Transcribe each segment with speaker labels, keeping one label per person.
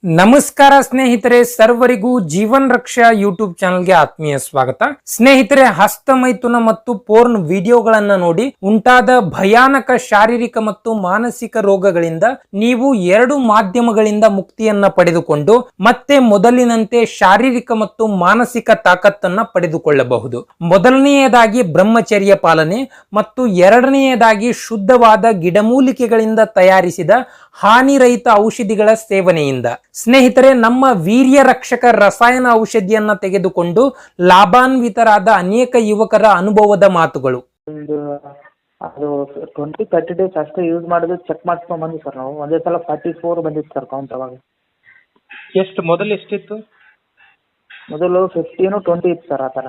Speaker 1: ನಮಸ್ಕಾರ ಸ್ನೇಹಿತರೆ, ಸರ್ವರಿಗೂ ಜೀವನ್ ರಕ್ಷಾ ಯೂಟ್ಯೂಬ್ ಚಾನೆಲ್ಗೆ ಆತ್ಮೀಯ ಸ್ವಾಗತ. ಸ್ನೇಹಿತರೆ, ಹಸ್ತಮೈಥುನ ಮತ್ತು ಪೋರ್ನ್ ವಿಡಿಯೋಗಳನ್ನ ನೋಡಿ ಉಂಟಾದ ಭಯಾನಕ ಶಾರೀರಿಕ ಮತ್ತು ಮಾನಸಿಕ ರೋಗಗಳಿಂದ ನೀವು 2 ಮಾಧ್ಯಮಗಳಿಂದ ಮುಕ್ತಿಯನ್ನ ಪಡೆದುಕೊಂಡು ಮತ್ತೆ ಮೊದಲಿನಂತೆ ಶಾರೀರಿಕ ಮತ್ತು ಮಾನಸಿಕ ತಾಕತ್ತನ್ನ ಪಡೆದುಕೊಳ್ಳಬಹುದು. ಮೊದಲನೆಯದಾಗಿ ಬ್ರಹ್ಮಚರ್ಯ ಪಾಲನೆ ಮತ್ತು ಎರಡನೆಯದಾಗಿ ಶುದ್ಧವಾದ ಗಿಡಮೂಲಿಕೆಗಳಿಂದ ತಯಾರಿಸಿದ ಹಾನಿರಹಿತ ಔಷಧಿಗಳ ಸೇವನೆಯಿಂದ. ಸ್ನೇಹಿತರೆ, ನಮ್ಮ ವೀರ್ಯ ರಕ್ಷಕ ರಸಾಯನ ಔಷಧಿಯನ್ನ ತೆಗೆದುಕೊಂಡು ಲಾಭಾನ್ವಿತರಾದ ಅನೇಕ ಯುವಕರ ಅನುಭವದ ಮಾತುಗಳು.
Speaker 2: ಅದು 20-30 ಡೇಸ್ ಅಷ್ಟೇ ಯೂಸ್ ಮಾಡಿದ್ರು, ಚೆಕ್ ಮಾಡಿಸ್ಕೊಂಡ್ ಬಂದ್ವಿ ಸರ್. ನಾವು ಒಂದೇ ಸಲ 44 ಬಂದಿತ್ತು ಸರ್ ಕೌಂಟ್. ಅವಾಗ
Speaker 1: ಮೊದಲು ಎಷ್ಟಿತ್ತು?
Speaker 2: ಮೊದಲು 15-20 ಇತ್ತು ಸರ್. ಆ ಥರ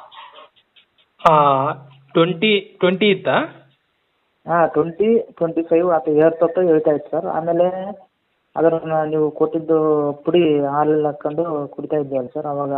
Speaker 1: 20 ಇತ್ತಾ?
Speaker 2: ಹಾಂ, 20-25 ಆತ ಹೇಳ್ತಾ ಇತ್ತು ಸರ್. ಆಮೇಲೆ ಅದನ್ನ ನೀವು ಕೊಟ್ಟಿದ್ದು ಪುಡಿ ಹಾಲಲ್ಲಿ ಹಾಕೊಂಡು ಕುಡಿತಾ ಇದ್ದೀವಲ್ಲ ಸರ್, ಅವಾಗ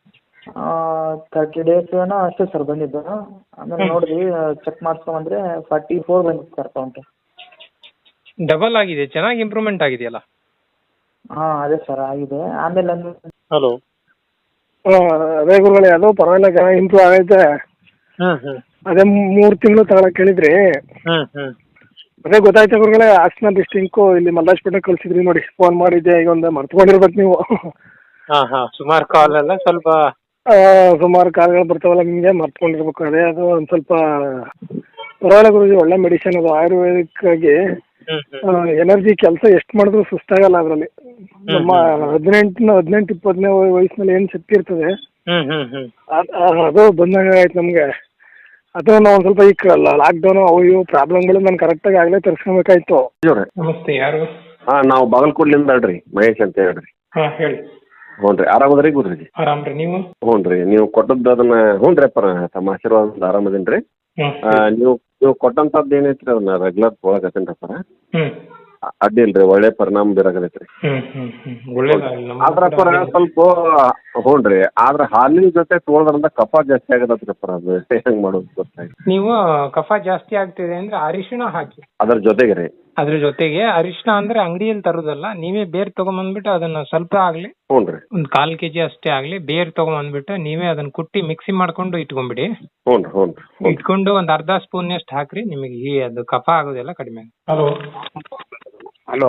Speaker 2: 30 ಡೇಸ್ ಏನೋ ಅಷ್ಟೇ ಸರ್ ಬಂದಿದ್ದು. ಆಮೇಲೆ ನೋಡಿದ್ವಿ, ಚೆಕ್ ಮಾಡಿಸ್ಕೊಂಡ್ಬಂದ್ರೆ 44 ಬಂದಿತ್ತು ಸರ್ ಕೌಂಟ್.
Speaker 1: ಡಬಲ್ ಆಗಿದೆ, ಚೆನ್ನಾಗಿ ಇಂಪ್ರೂವ್ಮೆಂಟ್ ಆಗಿದೆಯಲ್ಲ?
Speaker 2: ಹಾಂ, ಅದೇ ಸರ್ ಆಗಿದೆ. ಆಮೇಲೆ
Speaker 3: ಹಲೋ, ಅದೇ ಗುರುಗಳೇ, ಅದು ಪರವಾಗಿಲ್ಲ, ಇಂಪ್ರೂವ್ ಆಗೈತೆ. ಅದೇ 3 ತಿಂಗಳು ತಗೊಳಕ್ ಹೇಳಿದ್ರಿ. ಅದೇ ಗೊತ್ತಾಯ್ತು ಗುರುಗಳೇ, ಹಾಸನ ಡಿಸ್ಟಿಂಕು ಇಲ್ಲಿ ಮಲ್ಲಾಜ್ಪೇಟೆ ಕಳ್ಸಿದ್ರಿ ನೋಡಿ. ಫೋನ್ ಮಾಡಿದ್ದೆ, ಈಗ ಒಂದು ಮರ್ತ್ಕೊಂಡಿರ್ಬೇಕು ನೀವು.
Speaker 1: ಸುಮಾರು ಕಾಲ್ ಎಲ್ಲ ಸ್ವಲ್ಪ
Speaker 3: ಸುಮಾರು ಕಾಲ್ಗಳು ಬರ್ತಾವಲ್ಲ ನಿಮಗೆ, ಮರ್ತ್ಕೊಂಡಿರ್ಬೇಕು. ಅದೇ ಅದು ಒಂದು ಸ್ವಲ್ಪ ಪರವಾಗಿಲ್ಲ ಗುರುಜಿ, ಒಳ್ಳೆ ಮೆಡಿಸಿನ್ ಅದು. ಆಯುರ್ವೇದಿಕ್ ಆಗಿ ಎನರ್ಜಿ ಕೆಲಸ ಎಷ್ಟು ಮಾಡಿದ್ರು ಸುಸ್ತಾಗಲ್ಲ ಅದರಲ್ಲಿ. ನಮ್ಮ 18-20 ವಯಸ್ಸಿನಲ್ಲಿ ಏನು ಶಕ್ತಿ ಇರ್ತದೆ ಅದು ಬಂದಾಗ ಆಯ್ತು ನಮಗೆ. ಅದು ನಾವು ಒಂದು ಸ್ವಲ್ಪ ಈ ಲಾಕ್ಡೌನ್ ಅವು ಇವು ಪ್ರಾಬ್ಲಮ್ಗಳು ನಾನು ಕರೆಕ್ಟಾಗಿ ಆಗಲೇ ತರಿಸ್ಕೊಬೇಕಾಯ್ತು.
Speaker 1: ನಮಸ್ತೆ, ಯಾರು?
Speaker 4: ನಾವು ಬಾಗಲಕೋಟ್ಲಿಂದ ಹೇಳ್ರಿ, ಮಹೇಶ್ ಅಂತ ಹೇಳ್ರಿ.
Speaker 1: ಹೇಳಿ.
Speaker 4: ಹ್ಞೂ ರೀ, ಆರಾಮದ್ರಿ ಗುರುಜಿ?
Speaker 1: ಆರಾಮ್ರಿ, ನೀವು?
Speaker 4: ಹ್ಞೂ ರೀ, ನೀವು ಕೊಟ್ಟದ್ದು ಅದನ್ನ ಹ್ಞೂ ರೀ ಅಪ್ಪ, ತಮ್ಮ ಆಶೀರ್ವಾದ ಆರಾಮದೀನಿ ರೀ. ನೀವು ಕೊಟ್ಟಂಥದ್ದು ಏನೈತ್ರಿ ಅದನ್ನ ರೆಗ್ಯುಲರ್ ತೊಗೊಳಕತ್ತೀನಿ ರೀ ಅಪ್ಪ. ಅಡ್ಡಿ ಇಲ್ರಿ, ಒಳ್ಳೆ ಪರಿಣಾಮ ಬೀರಾಕತೈತ್ರಿ. ಆದ್ರ ಪರ ಸ್ವಲ್ಪ ಹ್ಞೂ ರೀ, ಆದ್ರ ಹಾಲಿನ ಜೊತೆ ತೊಗೊಳದ್ರಿಂದ ಕಫ ಜಾಸ್ತಿ ಆಗದತ್ರಿ ಅಪ್ಪ. ಅದು ಹೆಂಗ್ ಮಾಡೋದು ಗೊತ್ತಾಯ್ತು.
Speaker 1: ನೀವು ಕಫ ಜಾಸ್ತಿ ಆಗ್ತಿದೆ ಅಂದ್ರೆ ಅರಿಶಿಣ ಹಾಕಿ.
Speaker 4: ಅದ್ರ ಜೊತೆಗೆ ರೀ?
Speaker 1: ಅದ್ರ ಜೊತೆಗೆ ಅರಿಶಿಣ ಅಂದ್ರೆ ಅಂಗಡಿಯಲ್ಲಿ ತರೋದಲ್ಲ, ನೀವೇ ಬೇರ್ ತಗೊಂಬಂದ್ಬಿಟ್ಟು ಅದನ್ನ ಸ್ವಲ್ಪ ಆಗ್ಲಿ,
Speaker 4: ಹ್ಞೂ ರೀ,
Speaker 1: ಒಂದ್ 1/4 kg ಅಷ್ಟೇ ಆಗ್ಲಿ, ಬೇರ್ ತಗೊಂಬಂದ್ಬಿಟ್ಟು ನೀವೇ ಅದನ್ನ ಕುಟ್ಟಿ ಮಿಕ್ಸಿ ಮಾಡ್ಕೊಂಡು ಇಟ್ಕೊಂಡ್ಬಿಡಿ.
Speaker 4: ಹ್ಞೂ ರೀ, ಹ್ಞೂ ರೀ.
Speaker 1: ಇಟ್ಕೊಂಡು ಒಂದ್ ಅರ್ಧ ಸ್ಪೂನ್ ಅಷ್ಟು ಹಾಕ್ರಿ, ನಿಮಗೆ ಅದು ಕಫ ಆಗೋದೆಲ್ಲ ಕಡಿಮೆ. ಹಲೋ
Speaker 3: ಹಲೋ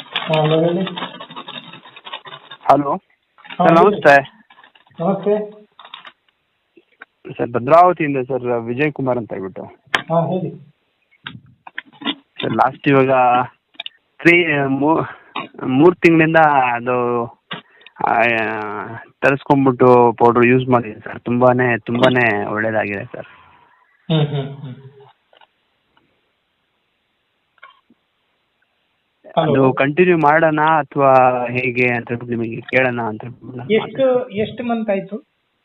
Speaker 3: ಹಲೋ ಸರ್, ನಮಸ್ತೆ.
Speaker 1: ನಮಸ್ತೆ
Speaker 3: ಸರ್, ಭದ್ರಾವತಿಯಿಂದ ಸರ್, ವಿಜಯ್ ಕುಮಾರ್ ಅಂತ ಹೇಳ್ಬಿಟ್ಟು.
Speaker 1: ಹೇಳಿ
Speaker 3: ಸರ್. ಲಾಸ್ಟ್ ಇವಾಗ 3 ತಿಂಗಳಿಂದ ಅದು ತರಿಸ್ಕೊಂಡ್ಬಿಟ್ಟು ಪೌಡ್ರ್ ಯೂಸ್ ಮಾಡಿದ್ದೀನಿ ಸರ್. ತುಂಬಾನೇ ಒಳ್ಳೇದಾಗಿದೆ ಸರ್. ಅದು ಕಂಟಿನ್ಯೂ ಮಾಡೋಣ ಅಥವಾ ಹೇಗೆ ಅಂತ ನಿಮಗೆ ಕೇಳೋಣ ಅಂತ.
Speaker 1: ಎಷ್ಟು ಮಂತ್ ಆಯ್ತು?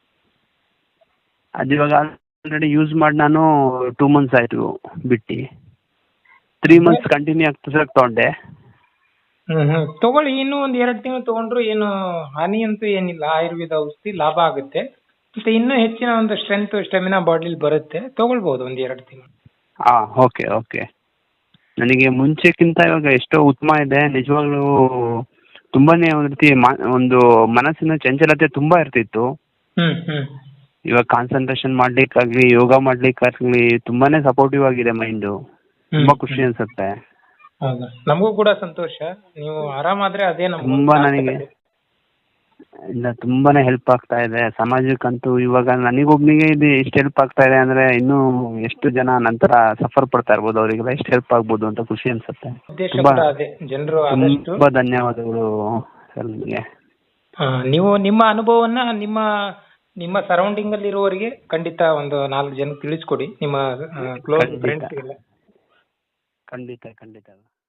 Speaker 3: ಅದು ಇವಾಗ ಆಲ್ರೆಡಿ ಯೂಸ್ ಮಾಡಿ ನಾನು 2 months ಆಯ್ತು ಬಿಟ್ಟು. 3 months ಕಂಟಿನ್ಯೂ ಆಗ್ತದೆ ತಗೊಂಡೆ.
Speaker 1: ತಗೊಳ್ಳಿ, ಇನ್ನೂ ಒಂದ್ 2 ತಿಂಗಳು ತಗೊಂಡ್ರು ಏನು ಹಾನಿ ಅಂತೂ ಏನಿಲ್ಲ. ಆಯುರ್ವೇದ ಔಷಧಿ ಲಾಭ ಆಗುತ್ತೆ, ಮತ್ತೆ ಇನ್ನೂ ಹೆಚ್ಚಿನ ಒಂದು ಸ್ಟ್ರೆಂತ್ ಸ್ಟೆಮಿನಾ ಬಾಡಿಲಿ ಬರುತ್ತೆ. ತಗೊಳ್ಬಹುದು ಒಂದ್ 2 ತಿಂಗಳು.
Speaker 3: ಓಕೆ. ನನಗೆ ಮುಂಚೆಕ್ಕಿಂತ ಇವಾಗ ಎಷ್ಟೋ ಉತ್ತಮ ಇದೆ ನಿಜವಾಗ್ಲೂ. ತುಂಬಾನೇ ಒಂದು ರೀತಿ ಒಂದು ಮನಸ್ಸಿನ ಚಂಚಲತೆ ತುಂಬಾ ಇರ್ತಿತ್ತು. ಇವಾಗ ಕಾನ್ಸಂಟ್ರೇಷನ್ ಮಾಡ್ಲಿಕ್ಕಾಗ್ಲಿ, ಯೋಗ ಮಾಡ್ಲಿಕ್ಕಾಗ್ಲಿ ತುಂಬಾನೇ ಸಪೋರ್ಟಿವ್ ಆಗಿದೆ ಮೈಂಡು. ತುಂಬಾ ಖುಷಿ ಅನ್ಸುತ್ತೆ.
Speaker 1: ನಮಗೂ ಕೂಡ ಸಂತೋಷ. ನೀವು ಆರಾಮಾದ್ರೆ ಅದೇ
Speaker 3: ತುಂಬಾ ನನಗೆ ತುಂಬಾನೇ ಹೆಲ್ಪ್ ಆಗ್ತಾ ಇದೆ ಸಮಾಜಕ್ಕಂತೂ. ಇವಾಗ ನನಗೊಬ್ನಿಗೆ ಇದು ಎಷ್ಟು ಹೆಲ್ಪ್ ಆಗ್ತಾ ಇದೆ ಅಂದ್ರೆ ಇನ್ನೂ ಎಷ್ಟು ಜನ ನಂತರ ಸಫರ್ ಪಡ್ತಾ ಇರ್ಬೋದು, ಅವರಿಗೆಲ್ಲ ಎಷ್ಟು ಹೆಲ್ಪ್ ಆಗ್ಬೋದು ಅಂತ ಖುಷಿ ಅನ್ಸುತ್ತೆ. ತುಂಬಾ ಧನ್ಯವಾದಗಳು ಸರ್ ನಿಮಗೆ.
Speaker 1: ನೀವು ನಿಮ್ಮ ಅನುಭವವನ್ನ ನಿಮ್ಮ ಸರೌಂಡಿಂಗ್ ಅಲ್ಲಿ ಇರುವವರಿಗೆ ಖಂಡಿತ ಒಂದು 4 ಜನಕ್ಕೆ ತಿಳಿಸ್ಕೊಡಿ, ನಿಮ್ಮ ಕ್ಲೋಸ್ ಫ್ರೆಂಡ್ಸ್ ಗೆಲ್ಲ.
Speaker 3: ಖಂಡಿತ.